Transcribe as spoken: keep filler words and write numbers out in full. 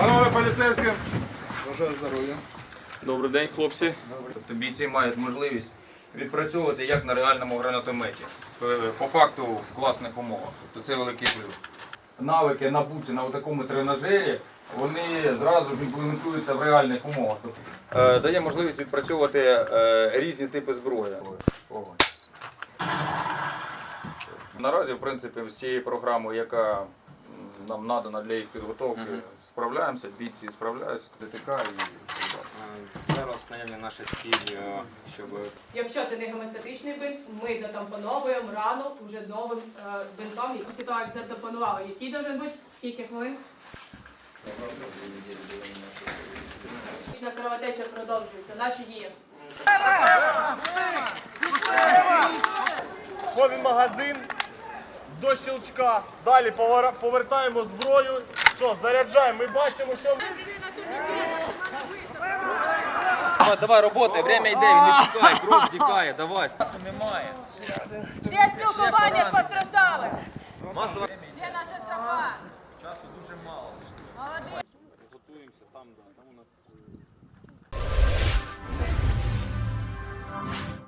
Панове поліцейським, бажаю здоров'я. Добрий день, хлопці. Тобто бійці мають можливість відпрацьовувати як на реальному гранатометі, по факту в класних умовах. Тобто це великий плюс. Навики набуті на такому тренажері, вони зразу ж імплементуються в реальних умовах. Тобто, е, дає можливість відпрацьовувати е, різні типи зброї. Ого. Наразі, в принципі, з цією програмою, яка нам надана для їх підготовки, uh-huh. справляємося, бійці справляються, ДТК і зараз наявні наші цілі, щоб... Якщо це не гемостатичний бинт, ми дотампоновуємо рану вже новим е, бинтом. Після того, як затампонували, який должен бути, скільки хвилин? Кровотеча продовжується, наші дії. Входимо в магазин, до щелчка, далі повертаємо зброю, що, заряджаємо, ми бачимо, що... Давай, давай, роботай, время йде, він не тікає, кров тікає, давай, часу немає. Де спілкування з постраждалих? Масова... Де наша тропа? Часу дуже мало. Молодець. Готуємося, там, да, там у нас...